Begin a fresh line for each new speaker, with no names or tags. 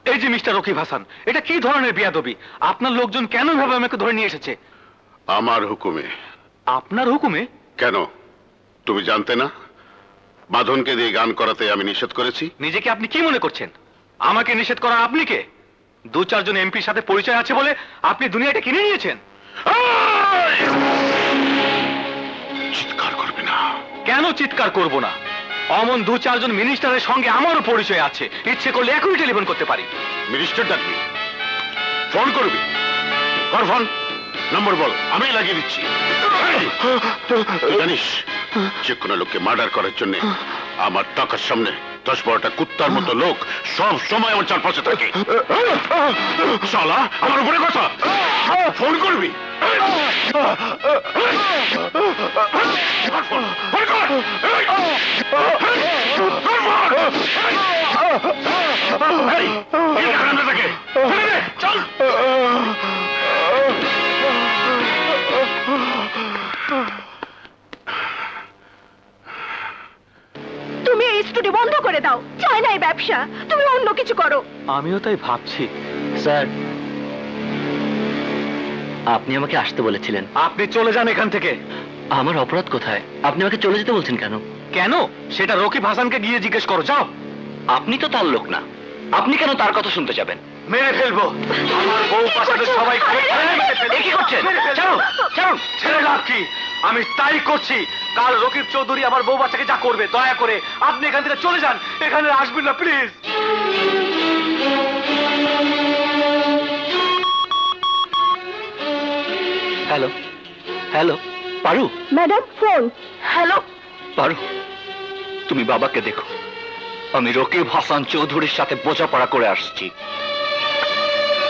এই যে মিস্টার রকিব হাসান, এটা কি ধরনের বেয়াদবি? আপনার লোকজন কেন এভাবে আমাকে ধরে নিয়ে এসেছে?
আমার হুকুমে।
আপনার হুকুমে?
কেন, তুমি জানতে না বাঁধনকে দিয়ে গান করাতে আমি নিষেধ করেছি?
নিজেকে আপনি কি মনে করছেন? আমাকে নিষেধ করা আপনি কে? দু চারজন এমপির সাথে পরিচয় আছে বলে আপনি দুনিয়াটা কিনে নিয়েছেন।
চিৎকার করবে না।
কেন চিৎকার করব না? অমন দু চারজন মিনিস্টারের সঙ্গে আমারও পরিচয় আছে, ইচ্ছে করলে এখনই টেলিফোন করতে পারি।
মিনিস্টার ডাকবি, ফোন করবি, কর ফোন, নম্বর বল, আমি লাগিয়ে দিচ্ছি। তুই জানিস যে কোনো লোককে মার্ডার করার জন্য আমার টাকার সামনে 10-12টা কুত্তার মতো লোক সব সময় আমার চারপাশে থাকে। শালা আমার উপরে কথা, ফোন করবি। চল।
তুমি এই স্টুডিও বন্ধ করে দাও, চাই না এই ব্যবসা, তুমি অন্য কিছু করো।
আমিও তাই ভাবছি।
স্যার, আপনি আমাকে আসতে বলেছিলেন।
আপনি চলে যান এখান থেকে।
আমার অপরাধ কোথায়? আপনি আমাকে চলে যেতে বলছেন কেন?
কেন সেটা রকিব হাসানকে গিয়ে জিজ্ঞেস করো, যাও।
আপনি তো তার লোক না, আপনি কেন তার কথা শুনতে যাবেন?
মেরে ফেলবো আমার বউ পাশে সবাই।
কি করছেন? ছাড়ুন, ছাড়ুন।
ছেড়ে লাভ কি? আমি তাই করছি। কাল রকিব চৌধুরী আমার বউ বাচ্চাকে যা করবে, দয়া করে আপনি এখান থেকে চলে যান, এখানে আসবেন না please.
Hello, hello, Paru?
Madam phone. Hello.
Paru, তুমি বাবাকে দেখো, আমি রকিব হাসান চৌধুরীর সাথে বোঝাপড়া করে আসছি।